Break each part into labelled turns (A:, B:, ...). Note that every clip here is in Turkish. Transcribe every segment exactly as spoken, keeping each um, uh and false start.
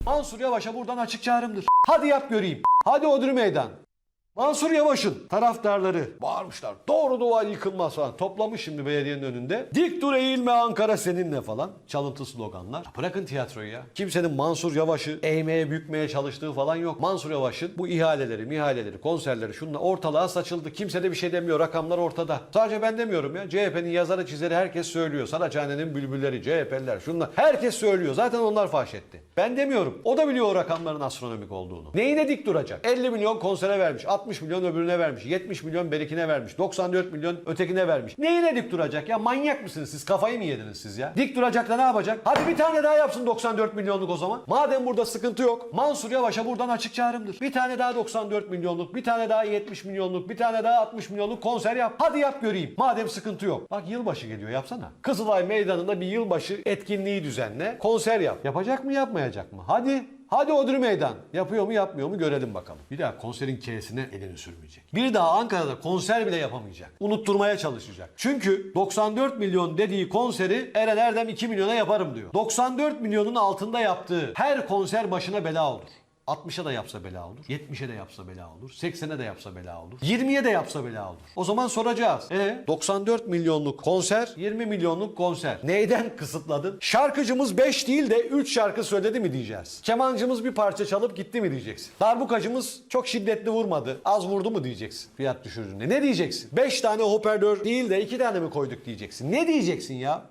A: Mansur Yavaş'a buradan açık çağrımdır. Hadi yap göreyim. Hadi Odri Meydan. Mansur Yavaş'ın taraftarları bağırmışlar. Doğru duvar yıkılmaz falan. Toplamış şimdi belediyenin önünde. Dik dur eğilme Ankara seninle falan. Çalıntı sloganlar. Ya bırakın tiyatroyu ya. Kimsenin Mansur Yavaş'ı eğmeye bükmeye çalıştığı falan yok. Mansur Yavaş'ın bu ihaleleri, mihaleleri, konserleri şunla ortalığa saçıldı. Kimse de bir şey demiyor. Rakamlar ortada. Sadece ben demiyorum ya. C H P'nin yazarı çizeri herkes söylüyor. Saraçhane'nin bülbülleri, C H P'liler şunlar. Herkes söylüyor. Zaten onlar faş etti. Ben demiyorum. O da biliyor o rakamların astronomik olduğunu. Neyine dik duracak? elli milyon konsere vermiş. altmış milyon öbürüne vermiş. yetmiş milyon berikine vermiş. doksan dört milyon ötekine vermiş. Neyine dik duracak ya? Manyak mısınız siz? Kafayı mı yediniz siz ya? Dik duracak da ne yapacak? Hadi bir tane daha yapsın doksan dört milyonluk o zaman. Madem burada sıkıntı yok. Mansur Yavaş'a buradan açık çağrımdır. Bir tane daha doksan dört milyonluk, bir tane daha yetmiş milyonluk, bir tane daha altmış milyonluk konser yap. Hadi yap göreyim. Madem sıkıntı yok. Bak yılbaşı geliyor, yapsana. Kızılay Meydanı'nda bir yılbaşı etkinliği düzenle. Konser yap. Yapacak mı yapmayacak mı? Hadi. Hadi Odri Meydan. Yapıyor mu yapmıyor mu görelim bakalım. Bir daha konserin K'sine elini sürmeyecek. Bir daha Ankara'da konser bile yapamayacak. Unutturmaya çalışacak. Çünkü doksan dört milyon dediği konseri Eren Erdem iki milyona yaparım diyor. doksan dört milyonun altında yaptığı her konser başına bela olur. altmışa da yapsa bela olur. yetmişe de yapsa bela olur. seksene de yapsa bela olur. yirmiye de yapsa bela olur. O zaman soracağız. E doksan dört milyonluk konser, yirmi milyonluk konser. Neyden kısıtladın? Şarkıcımız beş değil de üç şarkı söyledi mi diyeceğiz. Kemancımız bir parça çalıp gitti mi diyeceksin. Darbukacımız çok şiddetli vurmadı. Az vurdu mu diyeceksin. Fiyat düşürdüğünde. Ne diyeceksin? beş tane hoparlör değil de iki tane mi koyduk diyeceksin. Ne diyeceksin ya?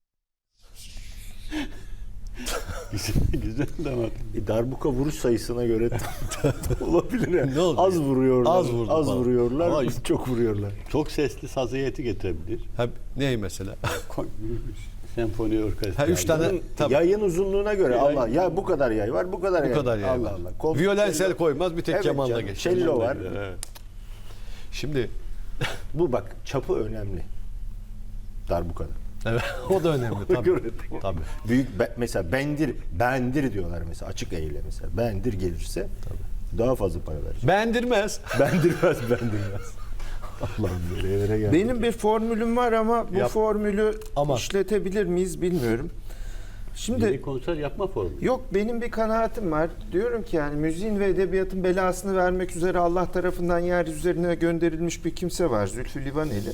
B: Güzel, güzel de ama.
C: E, darbuka vuruş sayısına göre olabilir ya.
B: Ne oldu?
C: Az vuruyorlar.
B: Az vurdu
C: Az
B: falan.
C: vuruyorlar.
B: Ama
C: çok vuruyorlar.
B: Çok sesli saz heyeti getirebilir.
A: Ha, ney mesela?
B: Senfoni orkestra.
A: Ha, üç tane tabii.
C: Yayın uzunluğuna göre
B: Yay-
C: Allah ya bu kadar yay var, bu kadar
A: Bu
C: yay.
A: kadar yay
C: Allah
A: var.
C: Allah. Kol-
A: Violensel
C: cello-
A: koymaz bir tek
C: Evet
A: kemanla
C: canım,
A: geçer.
C: cello var.
B: Evet.
A: Şimdi
C: Bu bak çapı önemli. Darbukada.
A: evet, o da önemli tabii.
C: göre.
A: Tabii.
C: Büyük be- mesela bendir, bendir diyorlar mesela açık eğile mesela. Bendir gelirse daha fazla para verecek.
A: Beğendirmez.
C: Bendirmez, bendirmez. Allah'ım böyle yerlere geldik.
D: Benim bir formülüm var ama bu
A: Yap.
D: formülü
A: Ama.
D: işletebilir miyiz bilmiyorum. Şimdi
B: Yeni konser yapma formu.
D: yok benim bir kanaatim var. Diyorum ki yani müziğin ve edebiyatın belasını vermek üzere Allah tarafından yeryüzüne gönderilmiş bir kimse var. Zülfü Livaneli.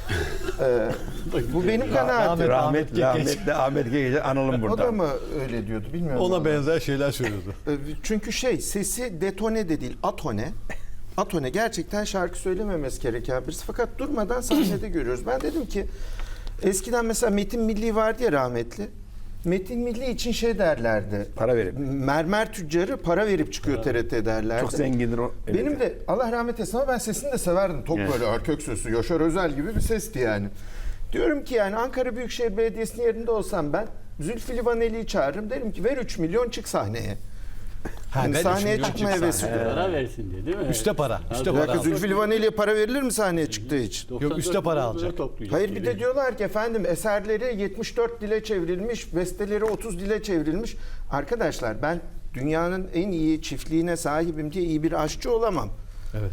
D: ee, bu benim kanaatim.
A: Ahmet-
E: Rahmetli
A: Ahmet
E: rahmetli Ahmet Gece analım
D: O da
E: burada.
D: mı öyle diyordu bilmiyorum.
A: Ona
D: vallahi.
A: benzer şeyler söylüyordu.
D: Ee, Çünkü şey sesi detone de değil atone. Atone gerçekten şarkı söylememesi gereken birisi. Fakat durmadan sahnede görüyoruz. Ben dedim ki eskiden mesela Metin Milli vardı ya rahmetli. Metin Milli için şey derlerdi.
E: Para verip.
D: Mermer tüccarı para verip çıkıyor T R T derlerdi.
E: Çok zengindir o.
D: Benim de Allah rahmet eylesin ama ben sesini de severdim. Tok
B: Evet.
D: böyle erkek sesi, Yaşar Özel gibi bir sesti yani. Diyorum ki yani Ankara Büyükşehir Belediyesi'nin yerinde olsam ben Zülfü Livaneli'yi çağırırım. Derim ki ver üç milyon çık sahneye.
A: Ha,
D: Yani
A: ver üç
D: sahneye
A: milyon
D: çıkma
A: çık
D: hevesi.
A: sahneye.
B: Para versin diye değil mi?
A: Üste para, üste
B: Ha,
D: Bir
A: para.
D: dakika Zülfü Livaneli'ye para verilir mi sahneye çıktığı için?
B: doksan dört
A: Yok, üste para
B: milyon
A: alacak.
B: toplayacak.
D: Hayır bir de diyorlar ki efendim eserleri yetmiş dört dile çevrilmiş, besteleri otuz dile çevrilmiş. Arkadaşlar ben dünyanın en iyi çiftliğine sahibim diye iyi bir aşçı olamam.
A: Evet.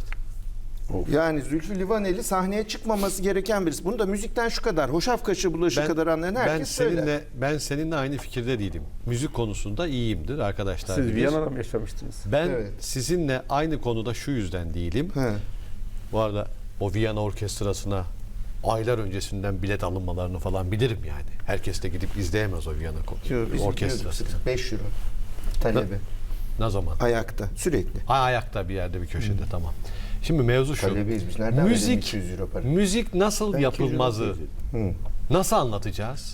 D: Yani Zülfü Livaneli sahneye çıkmaması gereken birisi. Bunu da müzikten şu kadar, hoşaf kaşı bulaşı kadar anlayan
A: ben
D: herkes
A: seninle
D: söyler.
A: ben seninle aynı fikirde değilim. Müzik konusunda iyiyimdir arkadaşlar.
E: Siz
A: bilir.
E: Viyana'da mı yaşamıştınız?
A: Ben
D: Evet.
A: sizinle aynı konuda şu yüzden değilim.
D: He.
A: Bu arada o Viyana Orkestrası'na aylar öncesinden bilet alınmalarını falan bilirim yani. Herkes de gidip izleyemez o Viyana
D: Yo, biz
A: Orkestrası'nı.
D: gidiyorduk. beş euro talebi.
A: Ne zaman?
D: Ayakta sürekli.
A: Ha, ayakta bir yerde bir köşede tamam. Şimdi mevzu şu.
D: Talebeyiz biz. Nereden verelim
A: müzik,
D: iki yüz euro para?
A: müzik nasıl
C: Ben iki yüz euro
A: yapılmazı
C: ödeyeceğim.
A: nasıl anlatacağız?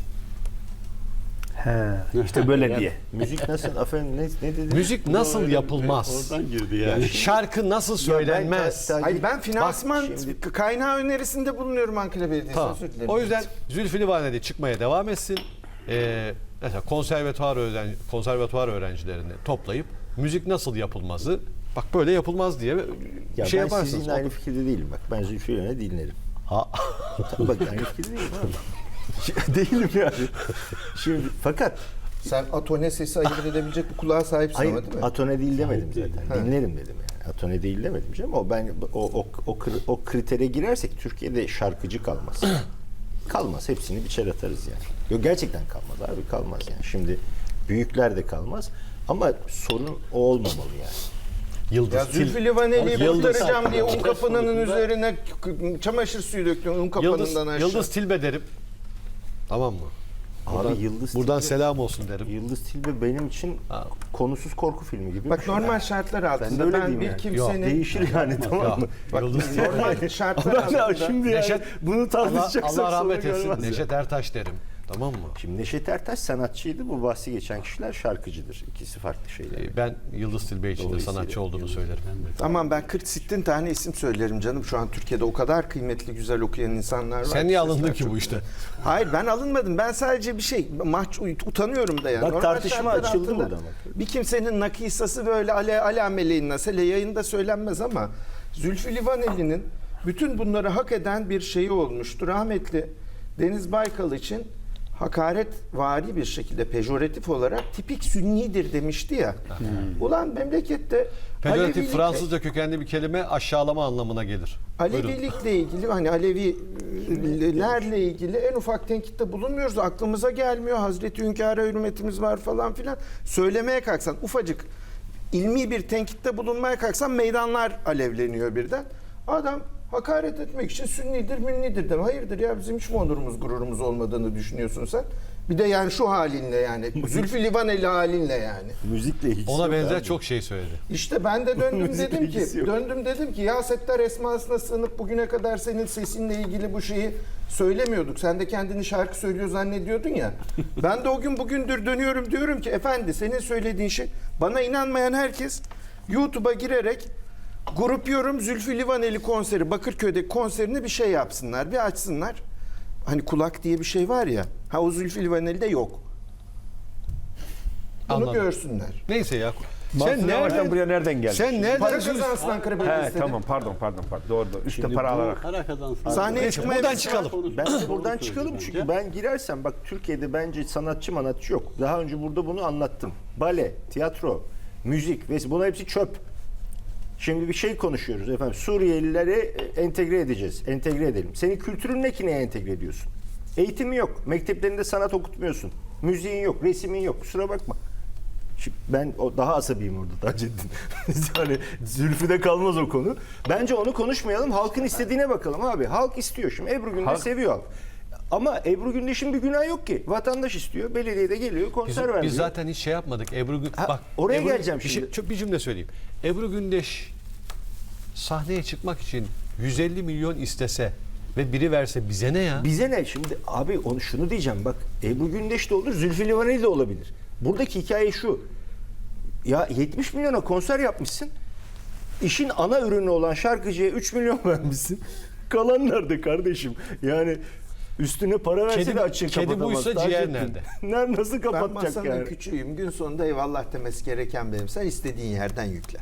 E: He. İşte böyle diye.
C: Müzik nasıl? Efendim ne, ne dedi?
A: Müzik nasıl yapılmaz?
B: Oradan girdi yani.
A: Şarkı nasıl söylenmez?
C: Ya ben-
D: Hayır ben finansman
C: şimdi-
D: kaynağı önerisinde bulunuyorum Ankara Belediyesi'ne.
A: Tamam.
D: Özür dilerim.
A: O yüzden Zülfü Livaneli çıkmaya devam etsin. Ee, mesela konservatuvar öğren konservatuvar öğrencilerini toplayıp müzik nasıl yapılmazı bak böyle yapılmaz diye
C: Ya
A: bir şey
C: ben
A: yaparsınız.
C: sizinle aynı fikirde değilim bak. Ben Zülfü Livaneli dinlerim.
A: Ha.
C: Tabii bak aynı fikirde değilim abi. Değilim yani. Şimdi fakat
D: Sen atone sesi ayırt edebilecek bir kulağa sahipsin
C: hayır,
D: ama değil mi?
C: atone değil demedim
B: değil.
C: zaten. Dinlerim dedim yani. Atone değil demedim canım. O ben o o o, kri- o kritere girersek Türkiye'de şarkıcı kalmaz. Kalmaz. Hepsini biçer atarız yani. Yok gerçekten kalmaz abi kalmaz yani. Şimdi büyükler de kalmaz. Ama sorun o olmamalı yani.
A: Yıldız.
D: Ya Zülfü Livaneli'yi
A: Yıldız-
D: kurtaracağım diye un kapanının üzerine k- çamaşır suyu döktün un
A: Yıldız,
D: kapanından aşağı.
A: Yıldız Tilbe derim. Tamam mı? Buradan,
C: Abi Yıldız
A: buradan
C: Tilbe-
A: selam olsun derim.
C: Yıldız Tilbe benim için
A: Ha.
C: konusuz korku filmi gibi.
D: Bak
C: bir şey.
D: normal şartlar
C: Ben de
D: altında
C: öyle
D: ben,
C: diyeyim
D: bir
C: yani.
D: kimsenin
C: Değişir yani tamam mı?
A: Bak, Yıldız Tilbe.
D: normal şartlar
C: Ben de
D: altında
C: şimdi
A: Neşet-
C: yani bunu
A: Allah,
C: tartışacaksak
A: Allah rahmet
C: sonu
A: etsin.
C: gelmez ya.
A: Neşet Ertaş derim. Tamam mı?
C: Şimdi Neşet Ertaş sanatçıydı. Bu bahsi geçen kişiler şarkıcıdır. İkisi farklı şeyler.
A: Ee, Ben Yıldız Tilbe için de
C: Dolayısıyla
A: sanatçı olduğunu söylerim.
D: Tamam ben kırk sittin tane isim söylerim canım. Şu an Türkiye'de o kadar kıymetli güzel okuyan insanlar var.
A: Sen niye
D: Sesler
A: alındın ki
D: çok
A: bu işte?
D: Hayır ben alınmadım. Ben sadece bir şey mahç utanıyorum da yani.
C: Bak,
D: Normal
C: tartışma
D: şartlar
C: açıldı
D: altında
C: burada bak.
D: Bir kimsenin nakisası böyle ale ala meleğin nasıl hele yayında söylenmez ama Zülfü Livaneli'nin bütün bunları hak eden bir şeyi olmuştu. Rahmetli Deniz Baykal için hakaretvari bir şekilde pejoratif olarak tipik sünnidir demişti ya. Ulan memlekette
A: Pejoratif
D: Alevilik-
A: Fransızca kökenli bir kelime aşağılama anlamına gelir. Buyurun.
D: Alevilikle ilgili hani Alevilerle ilgili en ufak tenkitte bulunmuyoruz. Aklımıza gelmiyor. Hazreti Hünkâr'a hürmetimiz var falan filan. Söylemeye kalksan ufacık ilmi bir tenkitte bulunmaya kalksan meydanlar alevleniyor birden. Adam hakaret etmek için sünnidir, münnidir deme. Hayırdır ya bizim hiç mi onurumuz, gururumuz olmadığını düşünüyorsun sen? Bir de yani şu halinle yani. Zülfü Livaneli halinle yani.
C: Müzikle ilgisi
A: Ona
C: yok
A: benzer
C: abi.
A: çok şey söyledi.
D: İşte ben de döndüm
C: Müzikle
D: dedim ki,
C: ilgisi yok.
D: döndüm dedim ki ya Settar esmasına sığınıp bugüne kadar senin sesinle ilgili bu şeyi söylemiyorduk. Sen de kendini şarkı söylüyor zannediyordun ya. Ben de o gün bugündür dönüyorum diyorum ki efendi senin söylediğin şey bana inanmayan herkes YouTube'a girerek Grup Yorum Zülfü Livaneli konseri Bakırköy'deki konserini bir şey yapsınlar, bir açsınlar. Hani kulak diye bir şey var ya. Ha o Zülfü Livaneli'de yok. Bunu
A: Anladım.
D: görsünler.
A: Neyse ya.
E: Sen
A: Sen
E: nereden
A: nereden
E: buraya nereden geldin?
A: Sen nereden
D: Para
A: Zülfü-
D: kazansın Ankara
E: He
D: Belediyesi'ne.
E: tamam pardon pardon pardon doğru doğru. Üstte
B: Şimdi
E: para
B: bu
E: alarak.
B: Para kazansın.
D: Sahneye
A: Neyse,
D: çıkmaya
A: buradan
D: bir-
A: çıkalım.
C: Ben de
B: Doğru
C: buradan
B: söyledi
C: çıkalım
B: bence.
C: çünkü ben girersem bak Türkiye'de bence sanatçı manatçı yok. Daha önce burada bunu anlattım. Bale, tiyatro, müzik ve buna hepsi çöp. Şimdi bir şey konuşuyoruz efendim. Suriyelileri entegre edeceğiz. Entegre edelim. Senin kültürün ne ki neye entegre ediyorsun? Eğitimi yok. Mekteplerinde sanat okutmuyorsun. Müziğin yok, resimin yok. Kusura bakma. Şimdi ben o daha asabiyim orada Taceddin. Yani Zülfü'de kalmaz o konu. Bence onu konuşmayalım. Halkın istediğine bakalım abi. Halk istiyor. Şimdi Ebru Gündeş
E: Halk-
C: seviyor halk. Ama Ebru Gündeş'in bir günahı yok ki. Vatandaş istiyor. Belediyede geliyor
A: Biz,
C: konser veriyor.
A: biz zaten hiç şey yapmadık. Ebru Gün...
C: Ha,
A: bak
C: oraya
A: Ebru-
C: geleceğim
A: bir,
C: şimdi.
A: şey- çok bir cümle söyleyeyim. Ebru Gündeş sahneye çıkmak için yüz elli milyon istese ve biri verse bize ne ya?
C: Bize ne? Şimdi abi onu şunu diyeceğim bak. Ebru Gündeş de olur, Zülfü Livaneli de olabilir. Buradaki hikaye şu. Ya yetmiş milyona konser yapmışsın. İşin ana ürünü olan şarkıcıya üç milyon vermişsin. Kalan nerede kardeşim? Yani üstüne para verse
A: Kedi-
C: de açığı
A: kedi
C: kapatamaz.
A: buysa
C: Taceddin.
A: ciğer nerede?
C: Nerede nasıl
D: Ben
C: kapatacak
D: masanın
C: yani?
D: küçüğüyüm. Gün sonunda eyvallah demesi gereken benim. Sen istediğin yerden yükle.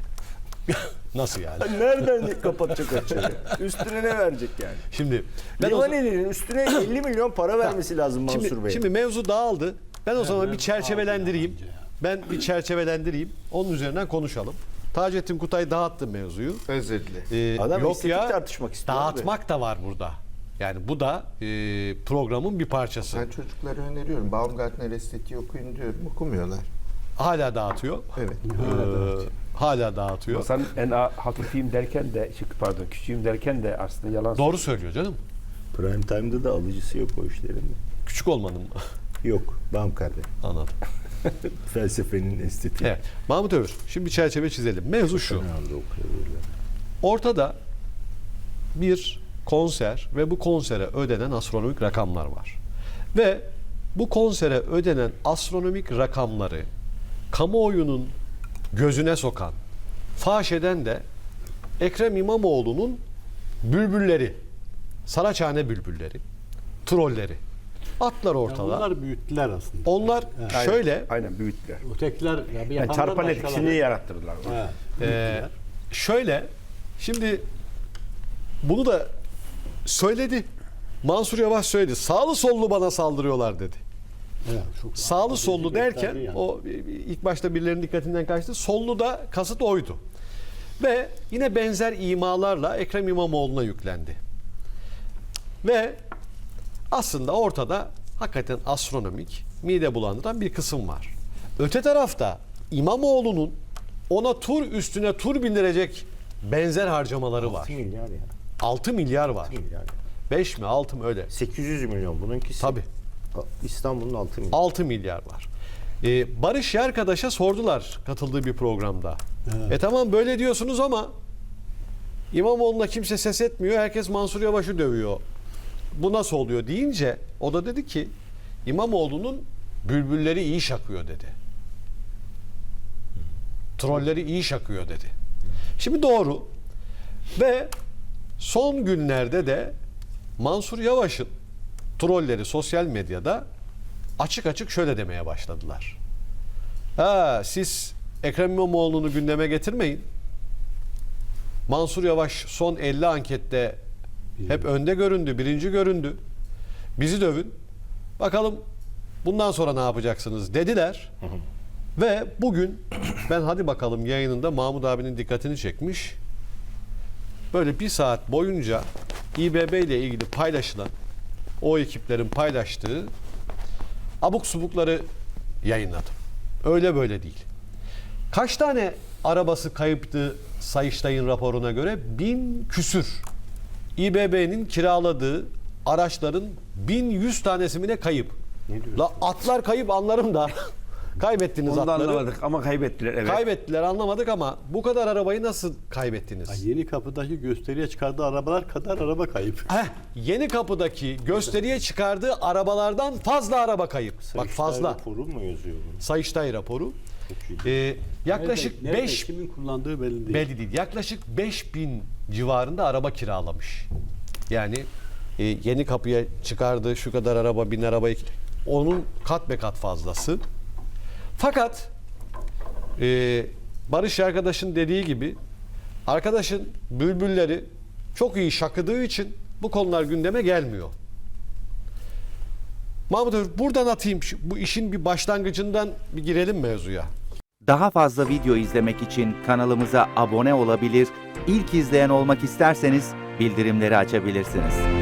A: Nasıl yani?
C: Nereden kapatacak açığı? Üstüne ne verecek yani?
A: Şimdi ben o,
C: Livaneli'nin üstüne elli milyon para vermesi lazım Mansur
A: şimdi,
C: Bey.
A: şimdi mevzu dağıldı. Ben o zaman bir
B: mevzu
A: çerçevelendireyim.
B: dağıldı ya bence ya.
A: Ben bir çerçevelendireyim. Onun üzerinden konuşalım. Taceddin Kutay dağıttı mevzuyu.
D: Özür dilerim.
A: Ee,
C: Adam
A: yok
C: estetik
A: ya
C: tartışmak istiyor
A: dağıtmak da var burada. Yani bu da e, programın bir parçası.
D: Ben çocuklara öneriyorum. Baumgartner estetiği okuyun diyorum. Okumuyorlar.
A: Hala dağıtıyor.
D: Evet.
A: Ee, hala dağıtıyor.
E: Sen en a- hafifiyim derken de çık pardon küçüğüm derken de aslında yalan
A: Doğru söylüyor canım.
C: Prime Time'da da alıcısı yok o işlerin.
A: Küçük olmanın mı?
C: Yok. Baumgartner.
A: Anladım.
C: Felsefenin estetiği.
A: Evet. Mahmut Övür. Şimdi bir çerçeve çizelim. Mevzu şu.
C: Ne anda okuyorlar?
A: Ortada bir konser ve bu konsere ödenen astronomik rakamlar var. Ve bu konsere ödenen astronomik rakamları kamuoyunun gözüne sokan, faş eden de Ekrem İmamoğlu'nun bülbülleri, Saraçhane bülbülleri, trolleri. Atlar
B: Ya
A: ortada.
B: bunlar büyüttüler aslında.
A: Onlar
E: Aynen,
A: şöyle
E: Aynen büyüttüler.
B: Ötekiler ya bir
E: Yani
B: yapanlar
E: çarpan
B: başkaları.
E: etkisini yarattırdılar.
B: Evet,
A: Ee,
B: büyüttüler.
A: şöyle şimdi bunu da söyledi. Mansur Yavaş söyledi. Sağlı sollu bana saldırıyorlar dedi.
B: Evet, çok
A: Sağlı sollu derken
B: gösterdi yani.
A: o ilk başta birilerinin dikkatinden kaçtı. Sollu da kasıt oydu. Ve yine benzer imalarla Ekrem İmamoğlu'na yüklendi. Ve aslında ortada hakikaten astronomik, mide bulandıran bir kısım var. Öte tarafta İmamoğlu'nun ona tur üstüne tur bindirecek benzer harcamaları var.
C: altı milyar ya.
A: altı milyar var.
C: Milyar.
A: beş mi altı mı öyle?
C: sekiz yüz milyon bununkisi.
A: Tabii.
C: İstanbul'un altı milyon.
A: altı milyar var. Ee, Barış Yerkadaş'a sordular katıldığı bir programda.
B: Evet.
A: E tamam böyle diyorsunuz ama İmamoğlu'na kimse ses etmiyor. Herkes Mansur Yavaş'ı dövüyor. Bu nasıl oluyor deyince o da dedi ki İmamoğlu'nun bülbülleri iyi şakıyor dedi. Trolleri iyi şakıyor dedi. Şimdi doğru. Ve son günlerde de Mansur Yavaş'ın trolleri sosyal medyada açık açık şöyle demeye başladılar. Ha, siz Ekrem İmamoğlu'nu gündeme getirmeyin. Mansur Yavaş son elli ankette hep önde göründü, birinci göründü. Bizi dövün. Bakalım bundan sonra ne yapacaksınız dediler. Ve bugün ben hadi bakalım yayınında Mahmut abinin dikkatini çekmiş. Böyle bir saat boyunca İBB ile ilgili paylaşılan, o ekiplerin paylaştığı abuk subukları yayınladım. Öyle böyle değil. Kaç tane arabası kayıptı Sayıştay'ın raporuna göre? Bin küsür. İBB'nin kiraladığı araçların bin yüz tanesi mi ne kayıp?
C: Ne diyorsun?
A: La atlar kayıp anlarım da. Kaybettiniz
E: Onu da
A: atları.
E: anlamadık ama kaybettiler. Evet.
A: Kaybettiler anlamadık ama bu kadar arabayı nasıl kaybettiniz?
B: Ha, Yeni Kapı'daki gösteriye çıkardığı arabalar kadar araba kayıp.
A: Heh, Yeni Kapı'daki gösteriye çıkardığı arabalardan fazla araba kayıp. Bak
C: Sayıştay
A: fazla.
C: raporu mu yazıyor bunu?
A: Sayıştay raporu.
C: Çok iyi.
A: Ee, yaklaşık
B: Nerede, nerede,
A: beş
B: kimin kullandığı belli değil.
A: belli değil. Yaklaşık beş bin civarında araba kiralamış. Yani e, Yeni Kapı'ya çıkardığı şu kadar araba, bin arabayı onun kat be kat fazlası. Fakat e, Barış arkadaşın dediği gibi arkadaşın bülbülleri çok iyi şakıdığı için bu konular gündeme gelmiyor. Mahmut Ömer, buradan atayım şu- bu işin bir başlangıcından bir girelim mevzuya.
F: Daha fazla video izlemek için kanalımıza abone olabilir, ilk izleyen olmak isterseniz bildirimleri açabilirsiniz.